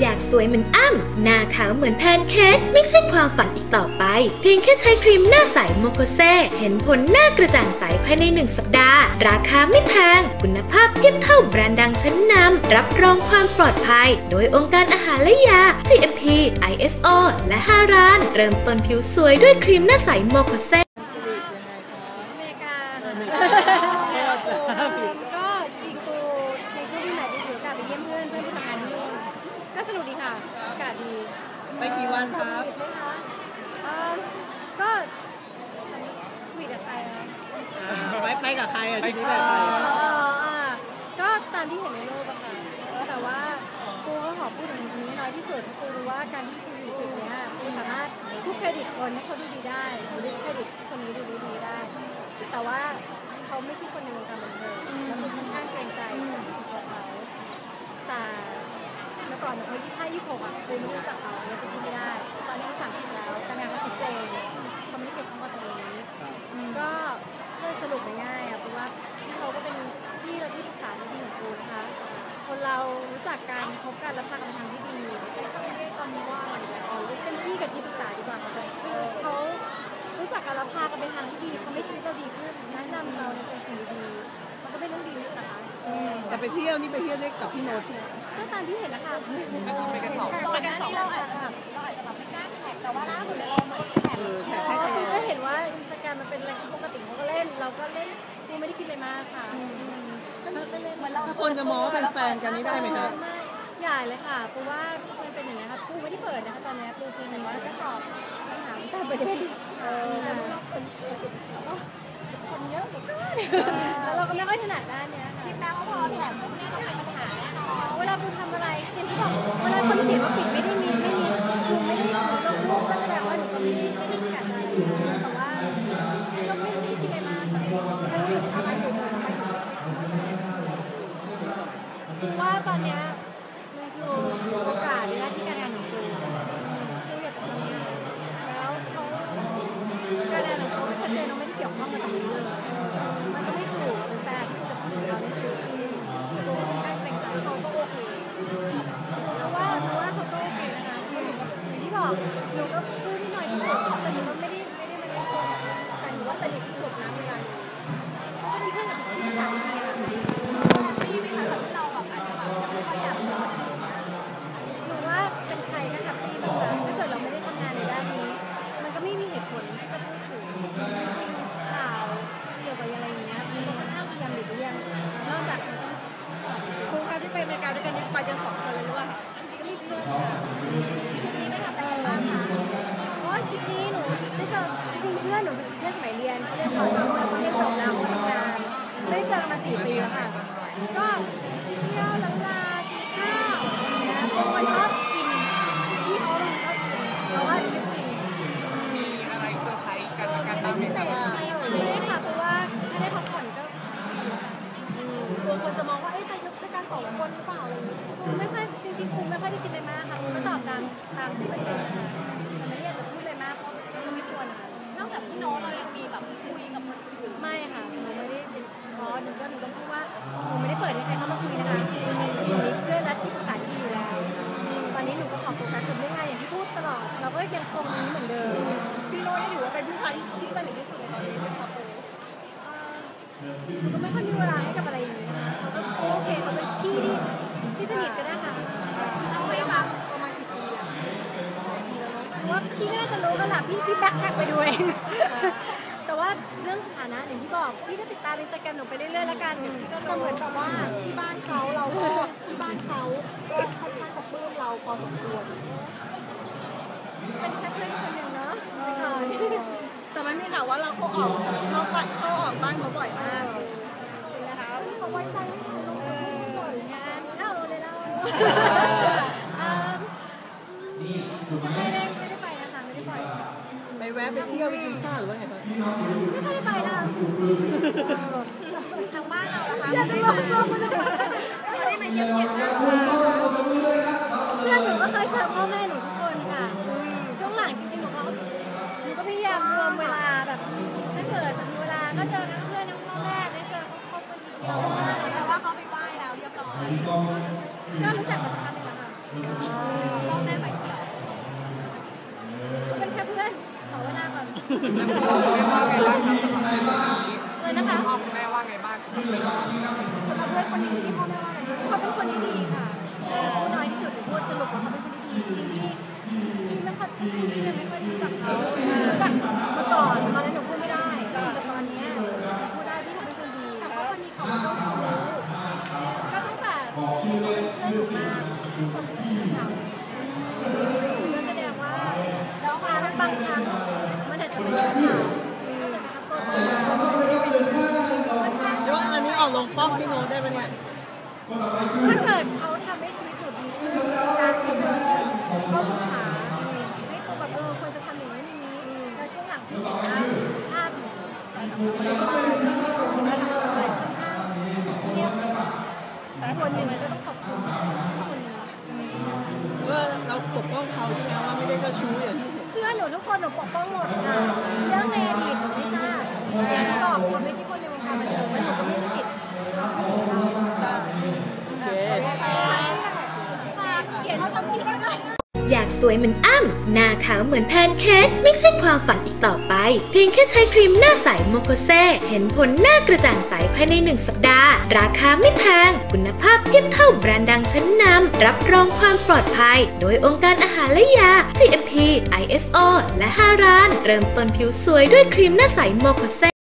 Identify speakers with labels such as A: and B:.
A: อยากสวยเหมือนอ้ำหน้าขาวเหมือนแพนเค้กไม่ใช่ความฝันอีกต่อไปเพียงแค่ใช้ครีมหน้าใสโมโคเซเห็นผลหน้ากระจ่างใสภายใน1 สัปดาห์ราคาไม่แพงคุณภาพเทียบเท่าแบรนด์ดังชั้นนำรับรองความปลอดภัยโดยองค์การอาหารและยา GMP ISO และ5 ร้านเริ่มต้นผิวสวยด้วยครีมหน้าใสโมโคเซ
B: ก็จริงกูในช่วงที่ไหนไปถือโอกาสไปเยี่ยมเพื่อนที่ทำงานที่นู่นก็สนุกดีค่ะอากาศดี
C: ไปกี่วันครับ
B: ก็คุยกับใครนะ
C: ไปกับใครอ่ะที่นี่แบบ
B: ก็ตามที่เห็นในโลกอะค่ะแต่ว่ากูก็ขอพูดถึงนี้น้อยที่สุดกูรู้ว่าการที่กูอยู่จุดนี้กูสามารถทุกเครดิตคนให้เขาดูดีได้ดิสเครดิตคนนี้ดูดีได้แต่ว่าเขาไม่ใช่คนในวงการบันเทิงแล้วกูค่อนข้างเกรงใจตัวเขาแต่เมื่อก่อนเขา25-26อะกูไม่รู้จักเขาเลยกูพูดไม่ได้ตอนนี้เขา30แล้วการงานเขาชัดเจนเขาไม่ได้เก็บเข้ามาตรงนี้ก็สรุปง่ายๆอะเพราะว่าพี่เขาก็เป็นพี่เราที่ปรึกษาที่ดีของกูนะคะคนเรารู้จักกันพบกันแล้วพากันไปทางที่ดีเขาไม่ได้ตอนนี้ว่าเป็นพี่กับที่ปรึกษาดีกว่าคือเขารู้จักกันแล้วพากันไปทางที่ดีทำให้ชีวิตเราดีขึ้นแนะนำเราในสิ่งดีๆมันก็เป็นเรื่องดีนะคะ
C: แต่ไปเที่ยวนี่ไปเที่ยวได้กับพี่โน้ตใช่ไหม
B: ก็ตามที่เห็นนะคะ
C: ไปกัน2 คน
D: ตอนนี้เราอาจจะแบบไม่กล้าแท็กแต่ว่าล่าสุดเรามาแท็ก
B: ก็เห็นว่าอินสตาแกรมมันเป็นอะไรปกติเขาก็เล่นเราก็เล่นกูไม่ได้คิดอะไรมากค่ะ
C: ถ้าคนจะมองว่าเป็นแฟนกันนี่ได้ไหมคะ
B: ใหญ่เลยค่ะเพราะว่ามันเป็นอย่างนี้ค่ะกูไม่ได้เปิดนะคะตอนนี้กูเพียงแต่ว่าจะตอบคำถามแต่ประเด็นคนเยอะเหมือนกันแล้วเราก็ไม่ค่อยถนัดด้านนี้
D: คิดแม้ว่าพอแท็กพวกนี้ต้องเป็นปัญหาแน่นอน
B: เวลากูทำอะไรเจนที่บอกเวลาคนเขียนว่าปิดไม่ได้มีกูไม่ได้ลงรูปก็แสดงว่าหนูก็ไม่ได้มีการอะไรแต่ว่าก็ไม่ได้คิดอะไรมากคือทำอะไรอยู่ว่าตอนนี้มันคือโอกาสในหน้าที่การงานของกูคืออยากจะทำงานแล้วเขาการงานของเขาชัดเจนเราไม่ได้เกี่ยวข้องกับตรงนี้เลยมันก็ไม่ถูกเป็นแฟนที่จะพูดถึงเราในสื่อกูก็ค่อนข้างเกรงใจเขาก็โอเคเพราะว่าเขาก็โอเคนะคะอย่างที่บอกหนูก็พูดที่หน่อยที่สุดแต่หนูก็ไม่ได้มาเล่นคนแต่หนูว่าสนิทที่สุดนะเวลานี้เพราะว่ามีเพื่อนกับที่ต่างๆเนี่ย
D: พี่ไม่ทำแบบที่เราแบบอาจจะแบบยังไม่ค่อยอยากพูด
B: หนูว่าเป็นใครก็แฮปปี้นะคะถ้าเกิดเราไม่ได้ทำงานในด้านนี้มันก็ไม่มีเหตุผลที่จะพูดถึงจริงๆข่าวเกี่ยวกับอะไรอย่างเงี้ยมันค่อนข้างพยายามหลีกเลี่ยงนอกจาก
D: ครูครับที่ไปอเมริกาด้วยกันนี่ไปกัน2 คนเลยหรือเปล่าคะ
B: จริงๆก็มีเพื่อนค่ะ
D: ทริปนี้ไม่ทำอะไรกันบ้างคะ
B: เพราะทริปนี้หนูได้เจอจริงๆเพื่อนหนูเป็นเพื่อนสมัยเรียนเรียนก่อนแล้วก็เรียนจบแล้วก็ทำงานไม่ได้เจอกันมา4 ปีแล้วค่ะก็เที่ยวล้างลากินข้าวนะบางคนชอบกินที่เขาลงชอบกินเพราะว่าชิปกิน
C: มีอะไรเซอร์ไพรส์กันละกันบ้างไหมครับ
B: ไม่ได้ค่ะเพราะว่าถ้าได้พักผ่อนก็
D: กลัวคนจะมองว่าไปด้วยกัน2 คนหรือเปล่าอะไรอย่างเงี้ย
B: ไม่ค่อยจริงๆคุณไม่ค่อยได้กินอะไรมากค่ะคุณก็ตอบตามที่มันเป็นแต่ไม่ได้อยากจะพูดอะไรมากเพราะก็ไม่ควรค่ะ
D: นอกจากพี่โน้ตเรายังมีแบบคุยกับคนอื่น
B: ไม่ค่ะหนูไม่ได้หนูต้องพูดว่าหนูไม่ได้เปิดให้ใครเข้ามาคุยนะคะหนูมีเพื่อนและที่ปรึกษาที่อยู่แล้วตอนนี้หนูก็ขอโฟกัสกับเรื่องงานอย่างที่พูดตลอดเราก็ยังคงนี้เหมือนเดิม
D: พี่โน้ตนี่ถือว่าเป็นผู้ชายที่สนิทที่สุดในตอนนี้ครับ
B: หนูก็ไม่ค่อยมีเวลาให้กับอะไรอย่างนี้นะคะเขาก็โอเคเขาเป็นพี่ที่สนิทกันได้ค่ะ
D: เราไม่ฟัง
B: ประมาณกี่ปีอะเพราะว่าพี่ก็น่าจะรู้กันแหละพี่แบ็คแท็กไปดูเองแต่ว่าเรื่องสถานะอย่างที่บอกพี่ก็ติดตามอินสตาแกรมหนูไปเรื่อยๆแล้วกัน
D: ก็เหมือนกับว่าที่บ้านเขาเราที่บ้านเขาก็ค่อนข้างจะปลื้มเราพอสมควร
B: เป็นแค่เพื่อนคนหนึ่งเนาะ
D: แต่มันมีข่าวว่าเราเขาออกนอกบ้านเขาออกบ้านเขาบ่อยมากจริงนะคะ
B: เขาไว้ใจบ่อยงานเข้าเลยเราไม่ได้ไปนะคะไม่ได้
C: ไปแวะไปเที่ยวไปกินข้าวหรือว่าไงครับ
B: ไม่ได้ไปนะ
D: ทางบ้านเรานะคะไม่ได้มาเยี่ยมๆนะ
B: เพื่อนหนูก็เคยเจอพ่อแม่หนูทุกคนค่ะช่วงหลังจริงๆหนูก็พยายามรวมเวลาแบบถ้าเกิดมีเวลาก็เจอทั้งเพื่อนทั้งพ่อแม่ได้เจอครอบครัวทีเดียว
D: แต่ว่าเขาไปไหว้แล้วเรียบร้อย
B: ก็รู้จักมาสักพักนึงแล้วค่ะพ่อแม่ไฟเขียวเป็นแค่เพื่อนขอเวลาก่อน
C: พ่อแม่ว่าไงบ้างครับสำหรับเรื่องนี้
B: เลยนะคะ
C: พ่อแม่ว่าไงบ้างสำหรับเรื่องนี้
B: สำหรับเพื่อนคนนี้พ่อแม่ว่าไงเขาเป็นคนที่ดีค่ะพูดน้อยที่สุดหรือพูดสรุปว่าเขาเป็นคนที่ดีจริงๆพี่ไม่ค่อยไม่ค่อยรู้จักเขารู้จักมาก่อนตอนนั้นหนูพูดไม่ได้แต่ตอนนี้พูดได้พี่เขาเป็นคนดีแต่เขาคนนี้เขาก็ต้องรู้ก็ตั้งแต่เพื่อนหนูมาคนที่เหงาก็แสดงว่าแล้วบางครั้งมันอาจจะเป็นปัญหาก็จะทำตัวตน
C: เดี๋ยวอันนี้ออกลงป้องพี่โน้ตได้ไหมเนี่ย
B: ถ้าเกิดเขาทำให้ชีวิตหนูดีขึ้นการที่เชิญเขาปรึกษาให้เขาแบบควรจะทำอย่างนี้อย่างนี้แต่ช่วงหลังที่เห็นภาพเนี่ย
D: การทำอะไรการทำอะไร
B: เงียบ
D: การ
B: คน
D: ทำ
B: หนึ่ง
D: อะไร
B: ก็ต้องขอบคุณคนนี้
C: ว่าเราปกป้องเขาใช่ไหมว่าไม่ได้เจ้าชู้อย่างที่เห็น
B: เพื่อนหนูทุกคนหนูปกป้องหมดค่ะเรื่องในอดีตหนูไม่ทราบอย่างที่บอกคนไม่ใช่คนในวงการบันเทิงแล้วหนูก็ไม่มีสิทธิ์จะพูดถึงเขา
C: โอเค
B: ฝากเขียนสักทีได้ไหม
A: อยากสวยเหมือนอ้ำหน้าขาวเหมือนแพนเค้กไม่ใช่ความฝันอีกต่อไป เพียงแค่ใช้ครีมหน้าใสโมโคเซเห็นผลหน้ากระจ่างใสภายใน1 สัปดาห์ ราคาไม่แพง คุณภาพเทียบเท่าแบรนด์ดังชั้นนำรับรองความปลอดภัย โดยองค์การอาหารและยา GMP ISO และ5 ร้าน เริ่มต้นผิวสวยด้วยครีมหน้าใสโมโคเซ